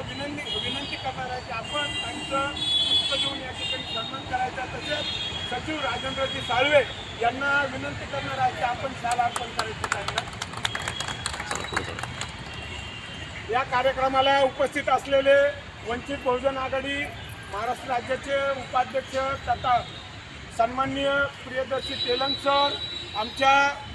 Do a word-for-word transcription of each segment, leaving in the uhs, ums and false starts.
विनंती विनंती करणार आहे की आपण त्यांचं पुष्प देऊन या ठिकाणी सन्मान करायचा. तसेच सचिव राजेंद्रजी साळवे यांना विनंती करणार आहे की आपण शाल अर्पण करायची त्यांना. या कार्यक्रमाला उपस्थित असलेले वंचित बहुजन आघाडी महाराष्ट्र राज्याचे उपाध्यक्ष तथा सन्माननीय प्रियदर्शी तेलंग सर, आमच्या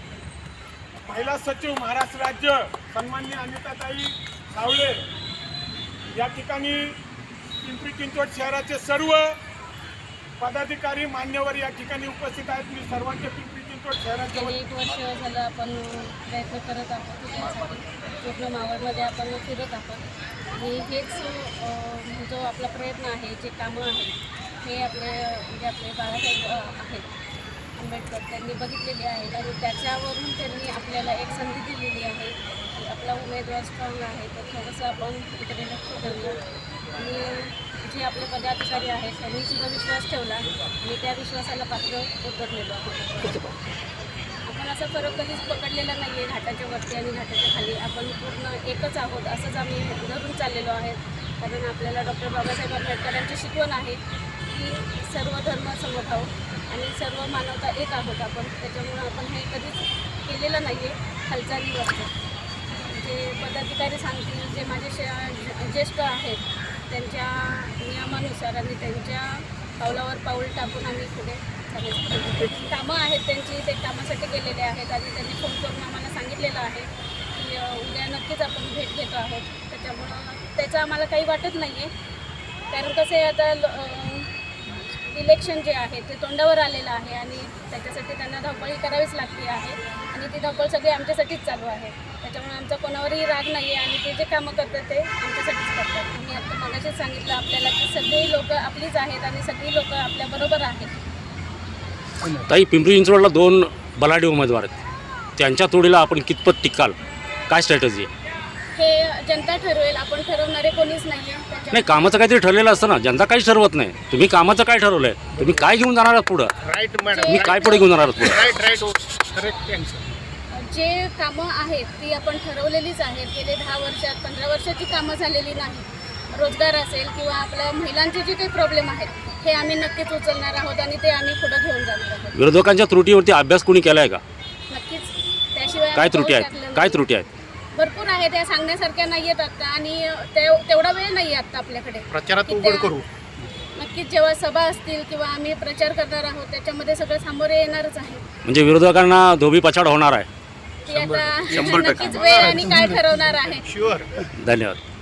महिला सचिव महाराष्ट्र राज्य सन्माननीय अनिताताई सावळे, या ठिकाणी पिंपरी चिंचवड शहराचे सर्व पदाधिकारी मान्यवर या ठिकाणी उपस्थित आहेत. मी सर्वांचे पिंपरी चिंचवड शहराचे गेली एक वर्ष झालं आपण प्रयत्न करत आहोत. त्यासाठी पूर्ण मावळमध्ये आपण फिरत आहोत आणि हेच जो आपला प्रयत्न आहे, जे कामं आहेत हे आपले म्हणजे आपले बाळासाहेब आहेत आंबेडकर त्यांनी बघितलेली आहेत आणि त्याच्यावरून त्यांनी आपल्याला एक संधी दिलेली आहे की आपला उमेदवार स्ट्रॉंग आहे, तर थोडंसं आपण इकडे लक्ष देऊया. आणि जे आपले पदाधिकारी आहेत त्यांनी सुद्धा विश्वास ठेवला आणि त्या विश्वासाला पात्र उतरलेलो आहोत. आपण असा फरक कधीच पकडलेला नाही आहे घाटाच्या वरती आणि घाटाच्या खाली. आपण पूर्ण एकच आहोत असंच आम्ही धरून चाललेलो आहे. कारण आपल्याला डॉक्टर बाबासाहेब आंबेडकरांची शिकवण आहे की सर्व धर्म समभाव आणि सर्व मानवता एक आहोत आपण. त्याच्यामुळं आपण हे कधीच केलेलं नाही आहे हालचालीवरचं. जे पदाधिकारी सांगतील, जे माझे शे ज्येष्ठ आहेत त्यांच्या नियमानुसार आणि त्यांच्या पावलावर पाऊल टाकून आम्ही पुढे चालायचं. कामं आहेत त्यांची, ते कामासाठी गेलेले आहेत आणि त्यांनी फोन करून आम्हाला सांगितलेलं आहे की उद्या नक्कीच आपण भेट घेतो आहोत. त्याच्यामुळं त्याचं आम्हाला काही वाटत नाही आहे. कारण कसं आहे, आता इलेक्शन जे आहे ते तोंडावर आलेलं आहे आणि त्याच्यासाठी त्यांना धावपळी करावीच लागते आहे आणि ती धावपळ सगळी आमच्यासाठीच चालू आहे. त्याच्यामुळे आमचा कोणावरही राग नाही आहे आणि ते जे कामं करतात ते आमच्यासाठीच करतात. मी आता मगाशीच सांगितलं आपल्याला की सगळी लोकं आपलीच आहेत आणि सगळी लोकं आपल्याबरोबर आहेत. ताई, पिंपरी चिंचवडला दोन बलाढ्य उमेदवार आहेत, त्यांच्या तोडीला आपण कितपत टिकाल? काय स्ट्रॅटजी आहे? हे जनता ठरवेल, आपण ठरवणारे कोणीच नाही आहे. नाही, कामाचं काहीतरी ठरलेलं असतं ना, जनता काहीच ठरवत नाही. तुम्ही कामाचं काय ठरवलंय? तुम्ही काय घेऊन जाणार आहात पुढं? राईट मॅडम, तुम्ही काय पुढे घेऊन जाणार आहात पुढे? Right right correct cancer. जे कामं आहेत ती आपण ठरवलेलीच आहेत. गेले दहा वर्षात पंधरा वर्षाची कामं झालेली नाही. रोजगार असेल किंवा आपल्या महिलांचे जे काही प्रॉब्लेम आहेत हे आम्ही नक्कीच उचलणार आहोत आणि ते आम्ही पुढे घेऊन जाणार आहोत. विरोधकांच्या त्रुटीवरती अभ्यास कोणी केलाय का? नक्कीच. त्याशिवाय काय त्रुटी आहेत? काय त्रुटी आहेत? भरपूर आहेत, त्या सांगण्यासारख्या नाही आहेत आत्ता आणि ते- तेवढा वेळ नाही आहे आत्ता आपल्याकडे. प्रचारात की उघड त्या- करू. नक्कीच जेव्हा सभा असतील किंवा आम्ही प्रचार करणार आहोत त्याच्यामध्ये सगळं सामोरे येणारच आहे. म्हणजे विरोधकांना धोबी पछाड होणार आहे. ती आता नक्कीच वेळ आणि काय ठरवणार आहे. शुअर. धन्यवाद.